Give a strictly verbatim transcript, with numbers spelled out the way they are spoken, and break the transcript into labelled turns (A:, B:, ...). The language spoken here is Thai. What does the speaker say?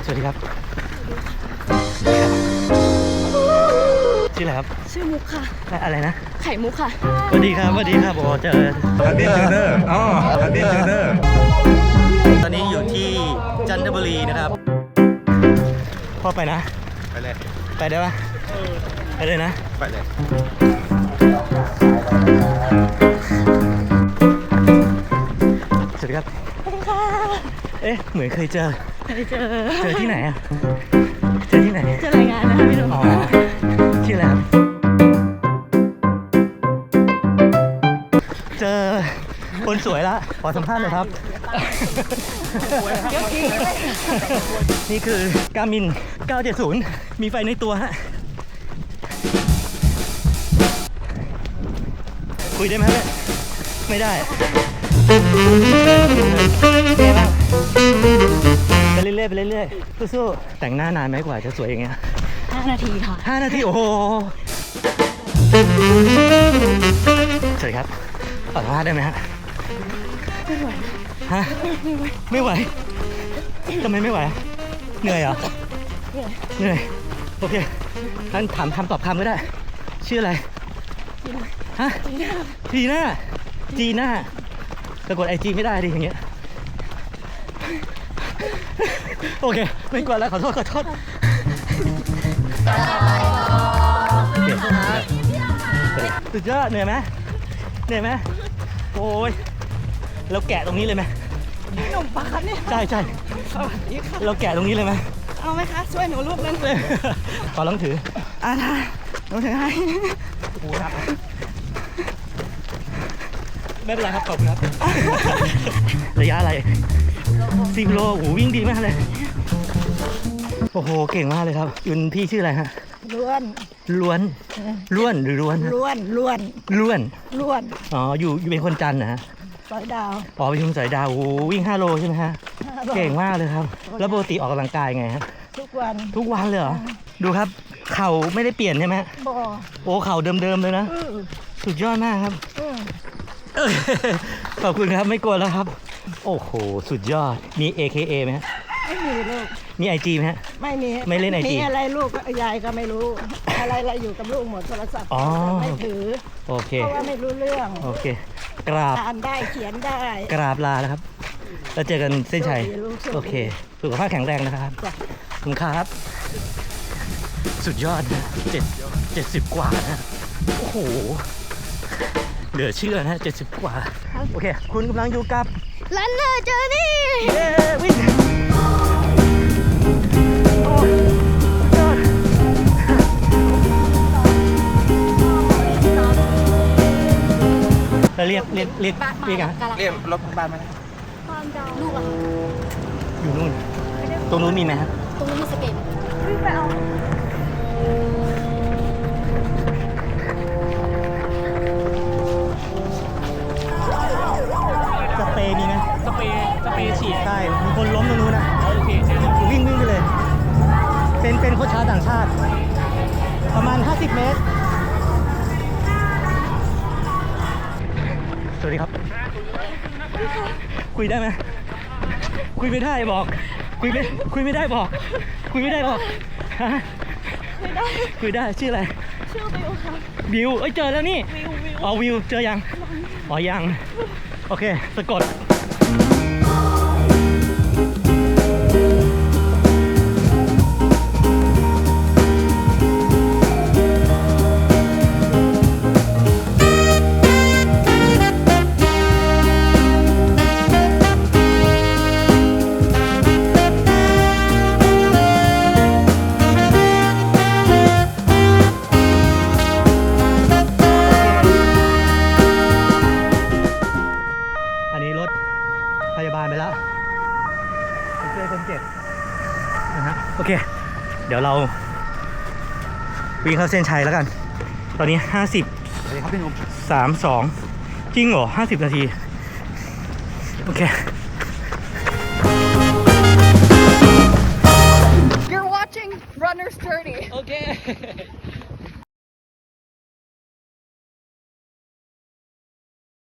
A: วัสดีครับชื่ออะไรครับ
B: ชื่อมุกค่ะ
A: อะไรนะ
B: ไข่มุกค่ะ
A: สวัสดีครับสวัสดีครับโอ้เจอ
C: ฮันดี้เทรนเนอร์อ๋อฮันดี้เทรนเนอร์
A: ตอนนี้อยู่ที่จันทบุรีนะครับพ่อไปนะ
C: ไปเลย
A: ไปได้ปะไปเลยนะ
C: ไปเลย
A: สวัสดีครับเอ๊ะเหมือนเคยเจอ
B: เคยเจอ
A: เจอที่ไหนอะเจอที่ไหน
B: เจอรายงานนะคะพี่หนุ่ม
A: อ๋อชื่ออะไรครับเจอคนสวยละขอสัมภาษณ์หน่อยครับนี่คือ Garmin เก้าเจ็ดศูนย์มีไฟในตัวฮะคุยได้ไหมเนี่ยไม่ได้ไงบ้างไปเรื่อยๆไปเรื่อยๆสู้ๆแต่งหน้านานไหมกว่าจะสวยอย่างเงี้ย
B: ห้านาทีค่ะ
A: ห้านาทีโอ้โหสวัสดีครับขอสัมภาษณ์ได้ไหมฮะ
B: ไม่ไหว
A: ฮะไม่ไหวทำไมไม่ไหวเหนื่อยเหรอเหนื่อยโอเคงั้นถามคำตอบคำก็ได้ชื่ออะไรฮะจีน่าจีน่าแต่กดไอจีไม่ได้ดิอย่างเงี้ยโอเคไม่กดแล้วขอโทษขอโทษสุดยอดเหนื่อยไหมเหนื่อยไหมโอ้ยเราแกะตรงนี้เลยไหม
B: พี่หนุ่มปะคะเนี่ย
A: ใช่ใช่
B: สวัสดีค่ะ
A: เราแกะตรงนี้เลยไหม
B: เอาไหมคะช่วยหนูลูกนึง
A: เลยขอลองถือ
B: อ่าได้หนูถือให้
A: โอ้ครับไม่เป็นไรครับขอบคุณครับระยะอะไรสิบโลโอ้วิ่งดีมากเลยโอ้โหเก่งมากเลยครับยุนพี่ชื่ออะไรฮะ
B: ล้วน
A: ล้วนล้วนหรือล้วน
B: ล้วนล้วน
A: ล้วน
B: ล้วน
A: อ๋ออยู่อยู่เป็นคนจันทร์นะฮะ
B: สอยดาว
A: อ๋อเป็นคนสอยดาวโอ้วิ่งห้าโลใช่ไหมฮะเก่งมากเลยครับแล้วปกติออกกำลังกายไงครับ
B: ทุกวัน
A: ทุกวันเลยเหรอดูครับเข่าไม่ได้เปลี่ยนใช่ไหม
B: บ่
A: โอ้เข่าเดิมๆเลยนะสุดยอดมากครับขอบคุณครับไม่กลัวแล้วครับโอ้โหสุดยอดมี เอ เค เอ ไหมฮะ
B: ไม่มีลูก
A: มี ไอ จี ไหมฮะ
B: ไม่มี
A: ไม่เล่น ไอ จี
B: มีอะไรลูกยายก็ไม่รู้อะไรอะไรอยู่กับลูกหมดโทรศัพท์ไม่ถือ
A: โอเค
B: เพราะว่าไม่รู้เรื่อง
A: โอเคกราบ
B: อ่านได้เขียนได้
A: กราบลาแล้วครับแล้วเจอกันเส้นชัยโอเคสุขภาพแข็งแรงนะครับขอบคุณครับสุดยอดนะเจ็ดเจ็ดสิบกว่านะโอ้โหเหลือเชื่อนะเจ็ดสิบกว่าโอเคคุณกำลังอยู่กับ
B: Runner Journey
A: เย้วิ่งเราเรียกเรียกเรียกเรียกอะ
C: เรียกรถบ้านมา
B: ลูกอะ
A: อยู่นู่นตรงนู้นมีไหมครับ
B: ตรงนู้นมีสเปนวิ่งไปเอา
A: สเปรย์มีไหม
D: สเปรย์สเปรย์ฉีด
A: ใช่มีคนล้มตรงนู้นนะ
D: โอเค
A: วิ่งวิ่งไปเลยเป็นเป็นโค้ชชาวต่างชาติประมาณห้าสิบเมตรสวัสดีครับคุยได้ไหมคุยไม่ได้บอกคุยไม่คุยไม่ได้บอกคุยไม่ได้บอกฮะ
B: คุยได้
A: คุยได้ชื่ออะไร
B: ชื่อบิวค่ะ
A: บิวเอ้ยเจอแล้วนี่
B: วิววิว
A: อ๋อวิวเจอยังอ๋อยังโอเคสะกดพยาบาลไปแล้วไปช่วยคนเจ็บนะฮะโอเคเดี๋ยวเราวิ่งเข้าเส้นชัยแล้วกันตอนนี้ห้าสิบสวัสดีครับพี่หนุ่มสามสองจริงเหรอห้าสิบนาทีโอเค
B: You're watching Runner's Journey
A: โอเค